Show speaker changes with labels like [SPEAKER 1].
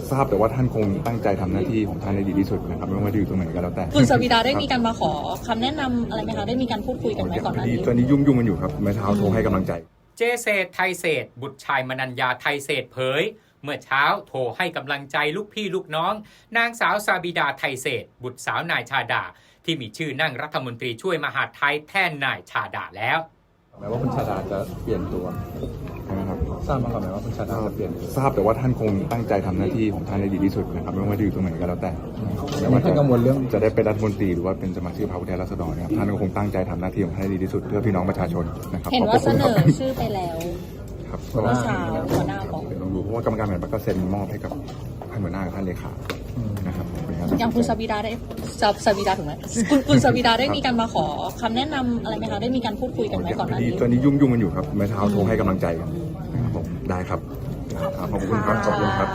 [SPEAKER 1] ทราบแต่ว่าท่านคงตั้งใจทำหน้าที่ของท่านได้ดีที่สุดนะครับไม่ว่าจะอยู่ตรงไหนก็แล้วแต่
[SPEAKER 2] คุณสวิดาได้มีการมาขอคำแนะนำอะไรไหมคะได้มีการพูดคุยกันไหมก่อนหน้านี้
[SPEAKER 1] ตอนนี้ยุ่งกันอยู่ครับเมื่อเช้าโทรให้กำลังใจ
[SPEAKER 3] เจเศรษฐ์ไทยเศรษฐ์บุตรชายมนัญญาไทยเศรษฐ์เผยเมื่อเช้าโทรให้กำลังใจลูกพี่ลูกน้องนางสาวซาบิดาไทยเศรษฐ์บุตรสาวนายชาดาที่มีชื่อนั่งรัฐมนตรีช่วยมหาดไทยแทนนายชาดาแล้ว
[SPEAKER 1] แม้ว่าคุณชาดาจะเปลี่ยนตัวใช่ไหมครับทราบมาก่อนไหมว่าคุณชาดาจะเปลี่ยนทราบแต่ว่าท่านคงตั้งใจทำหน้าที่ของท่านได้ดีที่สุดนะครับไม่ว่าจะอยู่ตรงไหนก็แล้วแต่ไม่ว่าจะกังวลเรื่องจะได้เป็นรัฐมนตรีหรือว่าเป็นสมาชิกพรรคผู้แทนราษฎรนะครับท่านก็คงตั้งใจทำหน้าที่ของท่านให้ดีที่สุดเพื่อพี่น้องประชาชนนะครับ
[SPEAKER 2] เห็นว่าเสนอชื่อไปแล้ว
[SPEAKER 1] ครับ
[SPEAKER 2] เมื่อเช้าหัวหน้าบอก
[SPEAKER 1] เดี๋ยวลองดูเพราะว่ากรรมการบริหารพรรคก็เซ็นมอบให้กับท่านหัวหน้ากับท่านเลขานะครับ
[SPEAKER 2] อย่างคุณสวิดาได้สวิดาถูกไหมคุณสวิดาได้มีการมาขอคำแนะนำอะไรไหมคะได้มีการพูดคุยกันไหมก่อนหน้านี้
[SPEAKER 1] ตอนนี้ยุ่งกันอยู่ครับเมื่อเช้าโทรให้กำลังใจกันนะครับผมได้ครับขอบคุณครับ